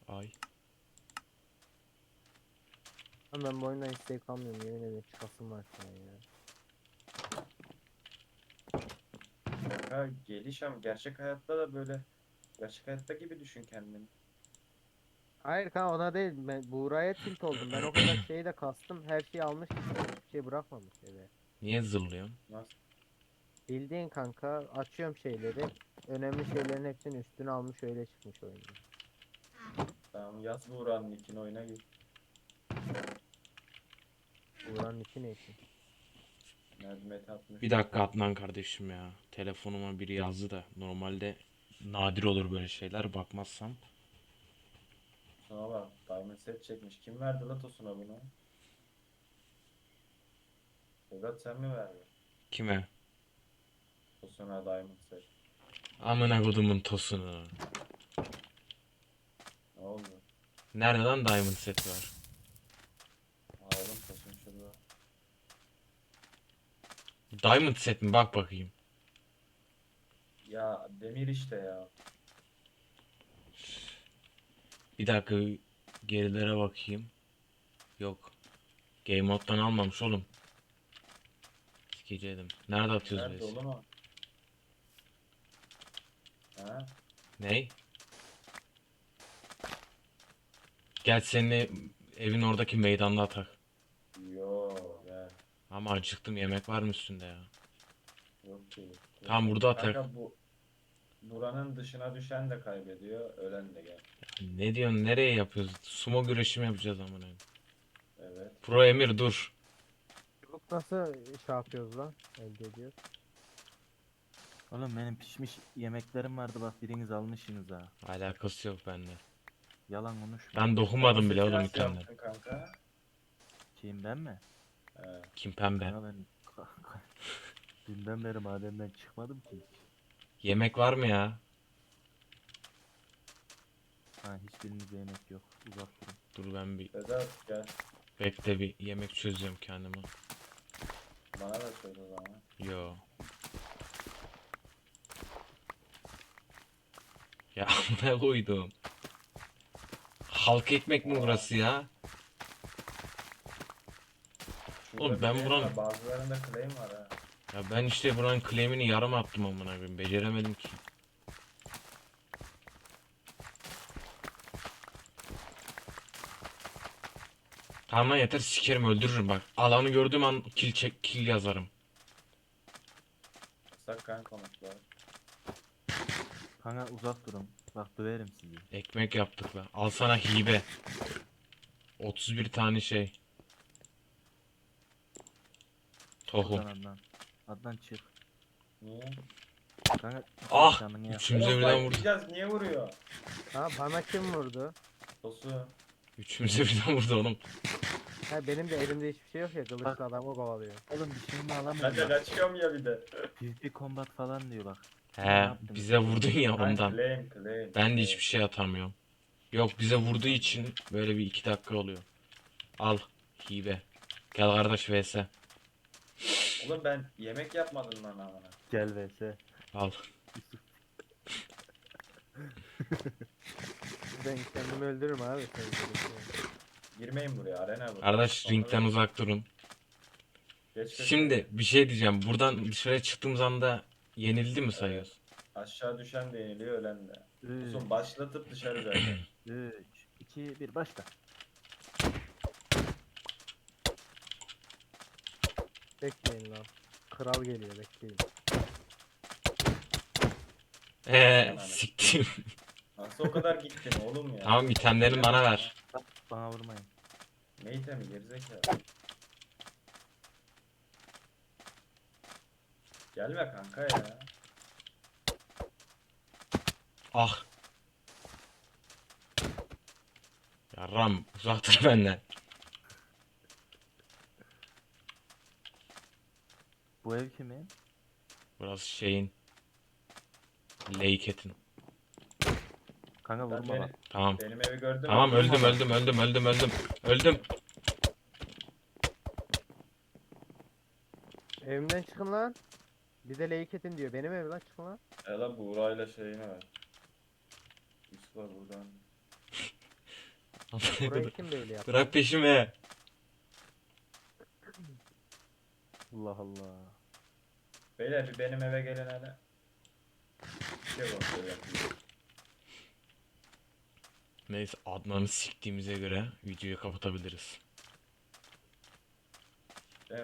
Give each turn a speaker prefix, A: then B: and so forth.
A: Ay.
B: Ama ben bu oyundan hiç zevk almıyorum, yemin ederim çıkasım var şu an ya.
C: Ha, geliş ama gerçek hayatta da böyle gerçek hayatta gibi düşün kendini.
B: Hayır kanka, ona değil, ben Buğra'ya tilt oldum. Ben o kadar şeyi de kastım, her şeyi almış işte, hiçbir şey bırakmamış eve.
A: Niye zırlıyorsun?
C: Nasıl?
B: Bildiğin kanka, açıyorum şeyleri, önemli şeylerin hepsini üstüne almış, öyle çıkmış oyunda.
C: Tamam, yaz Buğra'nın ikini oyuna gir.
B: Buğra'nın içi ne ki?
C: Nerede atmış.
A: Bir dakika Adnan kardeşim ya. Telefonuma biri yazdı da. Normalde nadir olur böyle şeyler bakmazsam.
C: Tosuna bak. Diamond set çekmiş. Kim verdi la Tosun'a bunu? Vedat sen mi verdin?
A: Kime?
C: Tosun'a Diamond set.
A: Amına kodumun tosunu.
C: Ne oldu?
A: Nerede lan diamond set var?
C: Aldım Tosun şurada.
A: Diamond set mi? Bak bakayım.
C: Ya demir işte ya.
A: Bir dakika gerilere bakayım. Yok. Game moddan almamış oğlum. Sikeceğim. Nerede atıyoruz
C: Nerede
A: biz?
C: oğlum o? Ha?
A: Ney? Gel seni evin oradaki meydanda atak.
C: Yo ver.
A: Ama acıktım, yemek var mı üstünde ya?
C: Yok ki.
A: Tam burada atak.
C: Kanka bu buranın dışına düşen de kaybediyor. Ölen de gel.
A: Ne diyorsun? Nereye yapıyoruz? Sumo güreşi mi yapacağız amına?
C: Evet.
A: Pro Emir dur.
B: Çubuk nasıl şey yapıyoruz lan? Elde ediyoruz.
D: Oğlum benim pişmiş yemeklerim vardı, bak biriniz almışsınız ha.
A: Alakası yok bende.
D: Yalan konuşma.
A: Ben dokunmadım bile
C: Seti
A: oğlum
C: nasıl
A: itemden.
C: yaptın kanka?
D: Kim, ben mi?
C: He.
A: Kim pembe?
D: Kanka ben dünden beri madenden çıkmadım ki hiç.
A: Yemek var mı ya?
D: Ha, hiçbirinizde yemek yok. Uzak durun.
A: Dur ben bir
C: Vedat gel.
A: bekle, bir yemek çözüyorum kendime.
C: Bana da söyle o zaman.
A: Yo. Ya ne koydum? Halk ekmek mi burası ya?
C: Şurada
A: Oğlum ben
C: claim
A: buranın-
C: var, bazılarında claim var ha.
A: Ya ben işte buranın claim'ini yarım attım amına koyayım. Beceremedim ki. Tamam lan yeter, sikerim öldürürüm bak. Alanı gördüğüm an kill çek, kill yazarım.
C: Yasak kan konuklar.
D: Kanka uzak durun. Bak döverim sizi.
A: Ekmek yaptık lan. Al sana hibe. 31 tane şey. Tohum.
D: Buradan Adnan. Adnan çık.
C: Niye?
D: Kanka
A: Ah!
D: canını yak.
A: Üçümüze
C: Oğlum
A: birden vurdu.
C: fightlayacağız, niye vuruyor?
B: Ha, bana kim vurdu?
C: Tosun.
A: Üçümüze birden vurdu oğlum.
B: Ha, benim de elimde hiçbir şey yok ya, kılıçlı adamı kovalıyor.
D: Oğlum bir şeyimi
C: Ben
D: alamıyorum
C: de
D: bak.
C: kaçıyorum ya bir de.
D: PvP combat falan diyor bak.
A: He, bize vurdun ya
C: Ben
A: ondan.
C: claim.
A: Ben de hiçbir şey atamıyorum. Yok, bize vurduğu için böyle bir 2 dakika oluyor. Al hibe. Gel kardeş vs.
C: Oğlum ben yemek yapmadım lan amına.
D: Gel vs.
A: Al.
D: Yusuf.
B: Ben kendimi öldürürüm abi. Sen böyle şey.
C: Girmeyin buraya, arena bu.
A: Kardeş
C: Sonra
A: ringden uzak durun.
C: geç köşeye.
A: Şimdi bir şey diyeceğim. Buradan dışarı çıktığımız anda yenildi mi sayıyoruz?
C: Aşağı düşen de yeniliyor, ölen de.
D: 3,
C: Tosun başlatıp dışarı zaten.
D: 3, 2, 1 başla.
B: Bekleyin lan. Kral geliyor, bekleyin.
A: Siktim.
C: Nasıl o kadar gittin oğlum ya?
A: Tamam, itemlerini bana ver.
D: Bana vurmayın.
C: Ne itemi gerizekalı. Gelme kanka ya.
A: Ah. Yarram uzaktır benden.
D: Bu ev kimin?
A: Burası şeyin. Leyket'in.
D: Kanka
C: Ben
D: vurma bak.
A: Tamam.
C: benim evi gördün mü?
A: Tamam öldüm
D: Vurma.
A: öldüm. Öldüm.
B: Evimden çıkın lan. Bir de Leyketin diyor. Benim ev lan, çıkın lan.
C: Ela Buğra'yla şeyini ver. Yusuf'a buradan.
B: Burayı kim böyle yaptı?
A: Bırak peşimi.
D: Allah Allah.
C: Beyler bir benim eve gelen hele. Bir şey kontrol yapayım.
A: Neyse Adnan'ı siktiğimize göre videoyu kapatabiliriz.